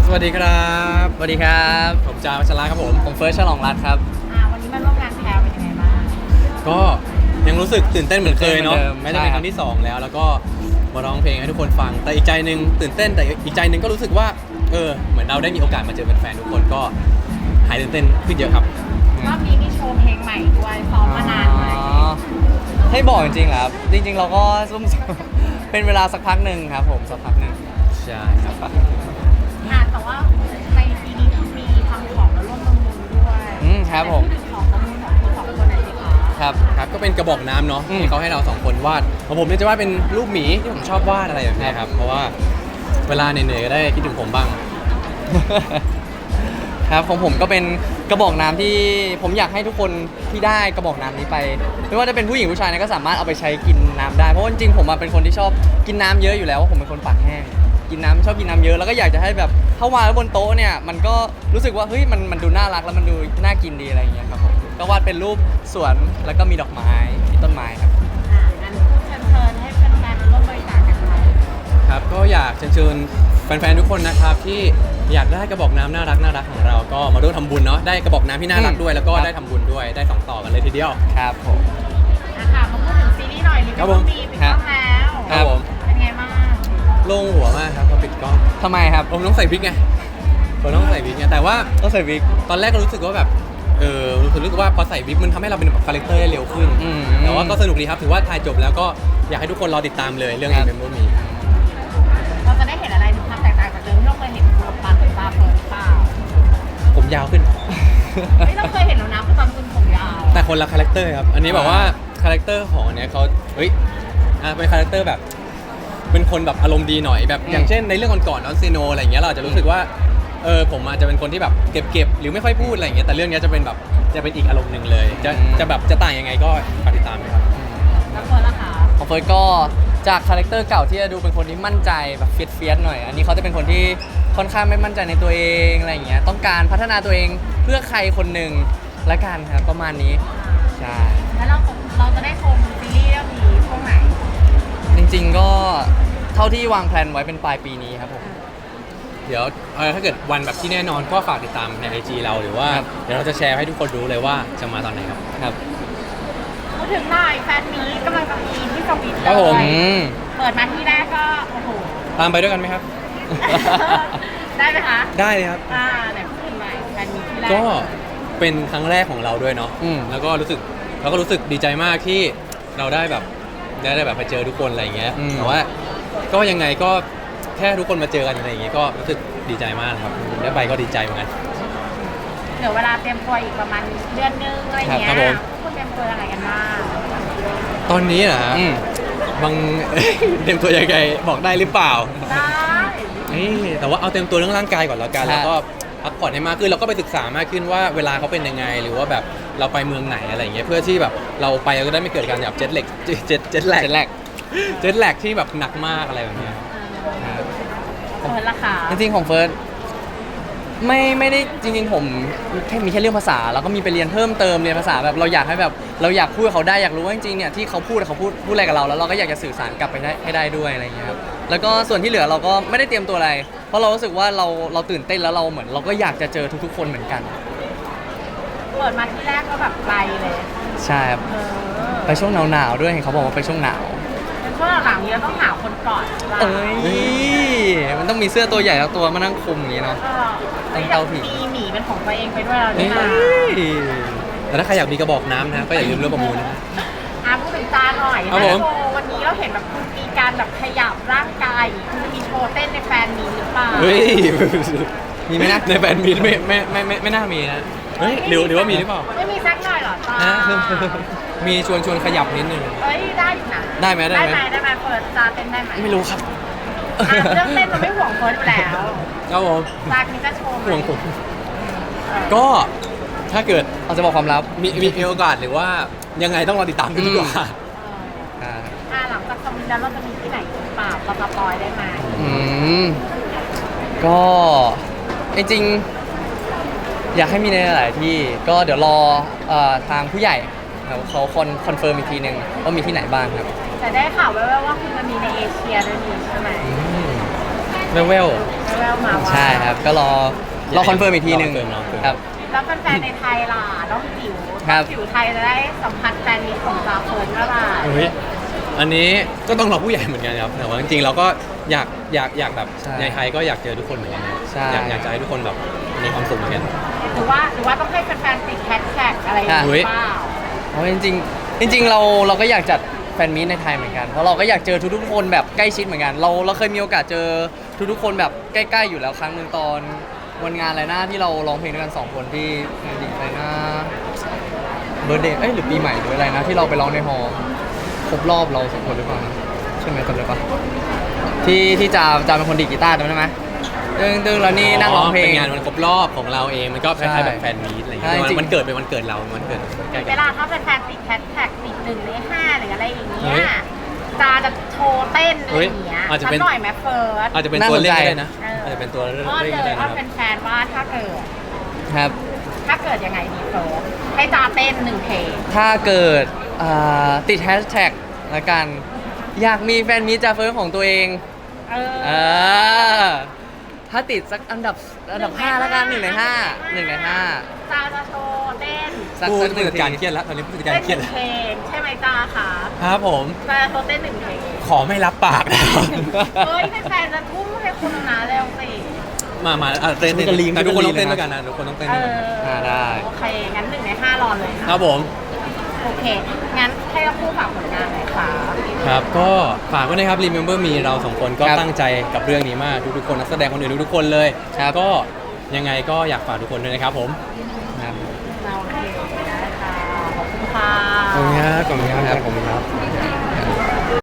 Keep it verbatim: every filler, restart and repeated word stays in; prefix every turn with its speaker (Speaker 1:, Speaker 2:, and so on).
Speaker 1: สวัสดีครับ
Speaker 2: สวัสดีครับ
Speaker 1: ผมจาวัชระครับผม
Speaker 2: ผมเฟิร์สฉลองรัตน์ครับ
Speaker 3: อ่าวันนี้มาร่วมงานแพรเป็นยังไงบ้าง
Speaker 1: ก็ยังรู้สึกตื่นเต้นเหมือนเคยเนาะ
Speaker 2: เหมือนเดิม
Speaker 1: แม้จะเป็น
Speaker 2: ใช่
Speaker 1: ครั้งที่สองแล้วแล้วก็มาร้องเพลงให้ทุกคนฟังแต่อีกใจหนึ่งตื่นเต้นแต่อีกใจหนึ่งก็รู้สึกว่าเออเหมือนเราได้มีโอกาสมาเจอแฟนๆทุกคนก็หายตื่นเต้นขึ้นเยอะครับ
Speaker 3: รอบนี้มีโชว์เพลงใหม่ด้วยซ้อมมานานไหม
Speaker 2: อ๋อให้บอกจริงๆเหรอครับจริงๆ เราก็ซุ่ม เป็นเวลาสักพักหนึ่งครับผมสักพักหนึ่ง
Speaker 1: ใช่ครับ
Speaker 3: อ่าแต่ว่าในปีนี้มีทำของมาร่วมประมูลด้วย
Speaker 2: อืมครับผม
Speaker 3: แต่ที่ของประมูลของคุณสองคนไหนดีคะ
Speaker 2: ครับ
Speaker 1: ครับก็เป็นกระบอกน้ำเนาะ
Speaker 2: อืม
Speaker 1: ที่เขาให้เราสองคนวาดของผมเนี่ยจะวาดเป็นรูปหมีที่ผมชอบวาดอะไรแบบเนี้ยครับเพราะว่าเวลาเหนื่อยๆก็ได้คิดถึงผมบ้าง
Speaker 2: ครับของผมก็เป็นกระบอกน้ำที่ผมอยากให้ทุกคนที่ได้กระบอกน้ำนี้ไปไม่ว่าจะเป็นผู้หญิงผู้ชายเนี่ยก็สามารถเอาไปใช้กินน้ำได้เพราะว่าจริงๆผมอะเป็นคนที่ชอบกินน้ำเยอะอยู่แล้วว่าผมเป็นคนปากแห้งกินน้ำชอบกินน้ำเยอะแล้วก็อยากจะให้แบบถ้าวางไว้บนโต๊ะเนี่ยมันก็รู้สึกว่าเฮ้ยมันมันดูน่ารักแล้วมันดูน่ากินดีอะไรอย่างเงี้ยครับผมก็วาดเป็นรูปสวนแล้วก็มีดอกไม้มีต้นไม้ครับ
Speaker 3: อ่างั้นเชิญเชิญให้แฟนๆมาร่วมบริจาคกันค่ะ
Speaker 1: ครับก็อยากเชิญชวนแฟนๆทุกคนนะครับที่อยากได้กระบอกน้ำน่ารักน่ารักของเราก็มาร่วมทำบุญเนาะได้กระบอกน้ำที่น่ารักด้วยแล้วก็
Speaker 2: ครับ
Speaker 1: ได้ทำบุญด้วยได้สองต่อกันเลยทีเดียว
Speaker 2: ครับผม
Speaker 3: อ่ะค่ะมาพูดถึงซีรีส์หน่อยลิฟ
Speaker 1: ครับ
Speaker 3: ต์
Speaker 1: ผม
Speaker 3: มีปิดกล้องแล้ว
Speaker 1: ครับผม
Speaker 3: เป็นไงบ้าง
Speaker 1: โล่งหัวมากครับพอปิดกล้อง
Speaker 2: ทำไมครับ
Speaker 1: ผมต้องใส่วิกไงผมต้องใส่วิกไงแต่ว่า
Speaker 2: ต้องใส่วิก
Speaker 1: ตอนแรกก็รู้สึกว่าแบบเออรู้สึกรู้สึกว่าพอใส่วิกมันทำให้เราเป็นแบบคาแรคเตอร์ได้เร็วขึ้น
Speaker 2: อืม
Speaker 1: แต่ว่าก็สนุกดีครับถือว่าถ่ายจบแล้วก็อยากให้ทุกคนรอติดตามเลยเรื่อง
Speaker 2: ครับ
Speaker 1: เมมโมมี
Speaker 3: เราจะได้เห็นอะไรถึงความแตกต่างจากเดิมที่เราเคยเห็นตัวปลาเป็นปลาเปิดหรือเปล่า
Speaker 1: ผมยาวขึ้น
Speaker 3: เฮ้ยเราเคยเห็นแล้วนะคือตอนคุณผมยาว
Speaker 1: แต่คนละคาแรคเตอร์ครับ อันนี้แบบว่าคาแรคเตอร์ของอันเนี้ยเขาเฮ้ยอ่ะเป็นคาแรคเตอร์แบบ เป็นคนแบบอารมณ์ดีหน่อยแบบ
Speaker 2: อืม
Speaker 1: อย่างเช่นในเรื่องก่อนๆนอนซีโนอะไรอย่างเงี้ยเราอาจจะรู้สึกว่าเออผมอาจจะเป็นคนที่แบบเก็บๆหรือไม่ค่อยพูดอะไรอย่างเงี้ยแต่เรื่องเนี้ยจะเป็นแบบจะเป็นอีกอารมณ์หนึ่งเลย จะจะแบบจะต่างยังไงก็ฝากติดตามเลยครับ
Speaker 3: แล้วคนละคะ
Speaker 2: ของเฟิร์สก็จากคาแรคเตอร์เก่าที่จะดูเป็นคนที่มั่นใจแบบเฟียสเฟียสหน่อย อันนี้เขาจะเป็นคนที่ค่อนข้างไม่มั่นใจในตัวเองอะไรอย่างเงี้ยต้องการพัฒนาตัวเองเพื่อใครคนหนึ่งละกันครับประมาณนี้ใช่
Speaker 3: แล้วเราเราจะได้ชมซีรีส์เรื่องนี้ช่วงไหน
Speaker 2: จริงๆก็เท่าที่วางแผนไว้เป็นปลายปีนี้ครับผม
Speaker 1: เดี๋ยวเออถ้าเกิดวันแบบที่แน่นอนก็ฝากติดตามในไอจีเราหรือว่า
Speaker 2: ครับ
Speaker 1: เดี๋ยวเราจะแชร์ให้ทุกคนรู้เลยว่าจะมาตอนไหนครับ
Speaker 2: ครับ
Speaker 3: พูดถึงหน่อยแฟนนี้กำลังจะมีที่สวิต
Speaker 1: ครับผม
Speaker 3: เลย
Speaker 2: อืม
Speaker 3: เปิดมาที่แรกก็โอ้โห
Speaker 1: ตามไปด้วยกันไหมครับ
Speaker 3: ได้ไหมคะ
Speaker 1: ได้เลยครับ
Speaker 3: อ่าไหนพูดถึงหน่อยแฟนมีที่แรก
Speaker 1: ก็เป็นครั้งแรกของเราด้วยเนาะ
Speaker 2: อืม
Speaker 1: แล้วก็รู้สึกเราก็รู้สึกดีใจมากที่เราได้แบบได้ได้แบบไปเจอทุกคนอะไรอย่างเงี้ย
Speaker 2: อืม
Speaker 1: แต่ว่าก็ยังไงก็แค่ทุกคนมาเจอกันอะไรอย่างเงี้ยก็รู้สึกดีใจมากนะครับได้ไปก็ดีใจเหมือนกัน
Speaker 3: เหลือเวลาเตรียมตัวอีกประมาณเดือนนึงอะไรเงี้ย
Speaker 1: ครับผม
Speaker 3: คุณเตรียมตัวอะไรกันบ้าง
Speaker 1: ตอนนี้นะฮะ
Speaker 2: อืม
Speaker 1: บาง เต็มตัวยังไงบอกได้หรือเปล่า
Speaker 3: ได้
Speaker 1: นี่แต่ว่าเอาเต็มตัวเรื่องร่างกายก่อนแล้วกัน
Speaker 2: ครับ
Speaker 1: แล้วก็พักผ่อนให้มากขึ้นเราก็ไปศึกษามากขึ้นว่าเวลาเขาเป็นยังไง หรือว่าแบบเราไปเมืองไหนอะไรอย่างเงี้ยเพื่อที่แบบเราไปเราก็ได้ไม่เกิดการแบบเจ็ตเล็กเจ็ตเจ็ตแลก
Speaker 2: เจ็ดแรก
Speaker 1: เจ็ตแลกที่แบบหนักมากอะไรแบบเนี้ย
Speaker 2: ครับ
Speaker 3: เปิดราคา
Speaker 2: จริงๆของเฟิร์สไม่ไม่ได้จริงๆผมแค่มีแค่เรื่องภาษาแล้วก็มีไปเรียนเพิ่มเติมเรียนภาษาแบบเราอยากให้แบบเราอยากพูดกับเขาได้อยากรู้ว่าจริงๆเนี่ยที่เขาพูดเขาพูดพูดอะไรกับเราแล้วเราก็อยากจะสื่อสารกลับไปได้ให้ได้ด้วยอะไรอย่างเงี้ยครับแล้วก็ส่วนที่เหลือเราก็ไม่ได้เตรียมตัวอะไร เพราะเรารู้สึกว่าเราเราตื่นเต้นแล้วเราเหมือนเราก็อยากจะเจอทุกๆ คนเหมือนกัน
Speaker 3: เปิดมาที่แรกก็แบบไกลเลย
Speaker 2: ใช่ครับ
Speaker 3: เออ
Speaker 2: ไปช่วงหนาวๆด้วยเห็นเขาบอกว่าไปช่วงหนาว
Speaker 3: เป็นช่วงหลังๆนี้เราต้องหาคนก่อนหรือเปล่า
Speaker 2: เอ้ยมันต้องมีเสื้อตัวใหญ่แล้วตัวมานั่งคุมอย่างนี้เนาะ
Speaker 3: เออ
Speaker 2: ต้องเตาผิง
Speaker 3: มีหมีเป็นของตัวเองไปด้วยเราด้ว
Speaker 1: นี่
Speaker 3: ยนะ
Speaker 1: แต่ถ้าใครอยากมีกระบอกน้ำนะก็อย่าลืมเรื่องประมูลนะ
Speaker 3: อ่ะพูดถึงจาหน่อย
Speaker 1: ครับผม
Speaker 3: โชว์วันนี้เราเห็นแบบคุณมีการแบบขยับร่างกายคุณจะมีโชว์เต้นในแฟนมีหรือเปล่า
Speaker 1: เฮ้ย
Speaker 2: มีไหมนะ
Speaker 1: ในแบรนด์มีไม่ไม่ไม่ไม่ไม่น่ามีนะเฮ้ยหรือหรือว่ามีหรือเปล่า
Speaker 3: ไม่มีสักหน่อยเหรอตา
Speaker 1: นะมีชวนชวนขยับนิดนึง
Speaker 3: เอ้ยได้อยู่นะ
Speaker 1: ได้ไหมได้ไหม
Speaker 3: ได้ไหมได้ไหมเปิดจาเต้นได้ไหม
Speaker 2: ไม่รู้ครับ
Speaker 3: อ่ะเรื่องเต้นเราไม่ห่วงเฟิร์สอยู่แล้ว
Speaker 1: ครับผม
Speaker 3: จานี้จะโชว์ไหม
Speaker 1: ห่วงผม
Speaker 3: เออ
Speaker 1: ก็ถ้าเกิด
Speaker 2: เราจะบอกความลับ
Speaker 1: มีมีมีโอกาสหรือว่ายังไงต้องรอติดตามกันดีกว่า
Speaker 3: เออ
Speaker 2: อ่า
Speaker 3: อ่ะหลังจากคอมมินแล้วเราจะมีที่ไหนหรือเปล่าเราสปอยได้ไหม
Speaker 2: อืมก็จริงๆอยากให้มีในหลายๆที่ก็เดี๋ยวรอเอ่อทางผู้ใหญ่ครับเขาคอนคอนเฟิร์มอีกทีหนึ่งว่ามีที่ไหนบ้างครับ
Speaker 3: แต่ได้ข่าวแว่วๆว่าคุณจะมีในเอเชียด้วยนี่ใช่ไหม
Speaker 1: เวลเวล
Speaker 3: แววๆมาว่า
Speaker 2: ใช่ครับ ก็รอรอคอนเฟิร์มอีกทีหนึ่ง
Speaker 1: รอคอนเฟิร์มรอคอนเฟิร์ม
Speaker 2: ครับ
Speaker 3: แล้วแฟนๆในไทยล่ะน้องจิ๋ว
Speaker 2: ครับ
Speaker 3: จิ๋วไทยจะได้สัมผัสแฟนมีตของจาเฟิร์นเมื่อไหร่
Speaker 1: เฮ้ยอันนี้ก็ต้องรอผู้ใหญ่เหมือนกันครับแต่ว่าจริงๆเราก็อยากอยากอยากแบบ
Speaker 2: ใช่
Speaker 1: ในไทยก็อยากเจอทุกคนเหมือนกันนะ
Speaker 2: ใช่
Speaker 1: อยากอยากจะให้ทุกคนแบบมีความสุขเหมือนกัน
Speaker 3: หรือว่าหรือว่าต้องให้แฟนๆติดแฮชแท็กอะไรอย่าง
Speaker 1: อุ๊ย
Speaker 3: เงี้ยเปล่า
Speaker 2: เพราะจริงๆจริง ๆ เราเราก็อยากจัดแฟนมีตในไทยเหมือนกัน เพราะเราก็อยากเจอทุกๆคนแบบใกล้ชิดเหมือนกัน เราเราเคยมีโอกาสเจอทุกๆคนแบบใกล้ๆอยู่แล้วครั้งหนึ่งตอนวันงานอะไรนะที่เราร้องเพลงด้วยกันสองคนที่งานดีอะไรนะเบ r ร์ d เดย์เอ้ยหรือปีใหม่หรืออะไรนะที่เราไปร้องในฮอลล์ครบรอบเราสองคนหรือเปล่านะใช่ไหมจำได้ปะที่ที่จาจาเป็นคนดีดกีตาร์จำได้ไหมตึ้งตึ้งแล้วนี่นั่งร้องเพลง
Speaker 1: เป็นงานวันครบรอบของเราเองมันก็คล้ายๆแบบแฟนมีตอะไรอย่างเงี้ย
Speaker 2: ใช่จริง
Speaker 1: มันเกิดเป็นวันเกิดเรามันเกิดใกล้
Speaker 3: เว
Speaker 1: กัน
Speaker 3: ลาถ้าแฟนๆติดแฮชแท็กติดหนึ่งในห้าหรืออะไรอย่างเงี้
Speaker 1: เฮ้
Speaker 3: ย
Speaker 1: ย
Speaker 3: จาจะโชว์เต้นอะไรอย่างเงี้ย
Speaker 1: เฮ้ยอาจจะเป็น
Speaker 3: สักหน่อยไหมเฟิร์ส
Speaker 1: อาจจะเป็น
Speaker 2: น่า
Speaker 1: ตัว
Speaker 2: สน
Speaker 1: เล่น
Speaker 2: ใจ
Speaker 1: ก็ได้นะ
Speaker 3: เอออ
Speaker 1: อาจจะเป็นตัวเล่น
Speaker 3: อ้อน
Speaker 1: ก็
Speaker 3: เลย
Speaker 1: ได้
Speaker 3: อ้อ
Speaker 1: นะ
Speaker 3: น
Speaker 1: ครับ
Speaker 3: แฟนๆว่าถ้าเกิด
Speaker 2: ครับ
Speaker 3: ถ้าเกิดยังไงดีเฟิร์สให้จาเต้นหนึ่งเพลง
Speaker 2: ถ้าเกิดอ่าติดแฮชแท็กละกัน อยากมีแฟนมีตจาเฟิร์สของตัวเอง
Speaker 3: เออ
Speaker 2: เออถ้าติดสักอันดับอันดับห้าละกันหนึ่งในห้าหนึ่งในห้า
Speaker 3: จาจะโชว์เต้น
Speaker 2: สัก
Speaker 1: ผู้
Speaker 2: สักหนึ่
Speaker 1: ผู้
Speaker 2: ง
Speaker 1: จัด
Speaker 2: ที
Speaker 1: การเครียดแล้วตอนนี้ผู้จัดการ
Speaker 3: เต้น
Speaker 1: เค
Speaker 3: ห
Speaker 1: รียด
Speaker 3: นึ่
Speaker 1: แล้ว
Speaker 3: งเพลงใช่ไหมจาคะ
Speaker 1: ครับผม
Speaker 3: จาจะโชว์เต้นหนึ่งเพลง
Speaker 1: ขอไม่รับปากนะครับ
Speaker 3: เฮ้ยแฟนๆจะทุ่มให้คุณนะเร็วสิ
Speaker 1: มามาอ่ะเต้น
Speaker 2: ช่วยกันลีน
Speaker 1: แต่ทุกคน
Speaker 2: ช่
Speaker 1: ต้
Speaker 2: ว
Speaker 1: อย ง
Speaker 2: กันลีน
Speaker 1: เต้นด้วยกันนะทุกคนต้องเต้น
Speaker 3: เอ
Speaker 1: ด้วยกัน
Speaker 3: อ
Speaker 2: อ่าได้
Speaker 3: โอเค งั้นหนึ่งในห้ารอนเลย
Speaker 1: ค
Speaker 3: ค่ะ
Speaker 1: รับผม
Speaker 3: โอเค งั้นให้เราพูดฝากผลงานหน่อยค่ะ
Speaker 1: ครับก็ฝากไว้นะครับ Remember Me เราสองคนก็
Speaker 2: ครับ
Speaker 1: ตั้งใจกับเรื่องนี้มากทุกๆคนนักแสดงคนอื่นทุกๆคนเลย
Speaker 2: ครับ
Speaker 1: ก็ยังไงก็อยากฝากทุกคนด้วยนะครับผม
Speaker 2: ครับ
Speaker 3: เราโอเคได้ค่ะ ขอบคุณค่ะ
Speaker 1: ขอบคุณครับขอบคุณครับขอบคุณครับ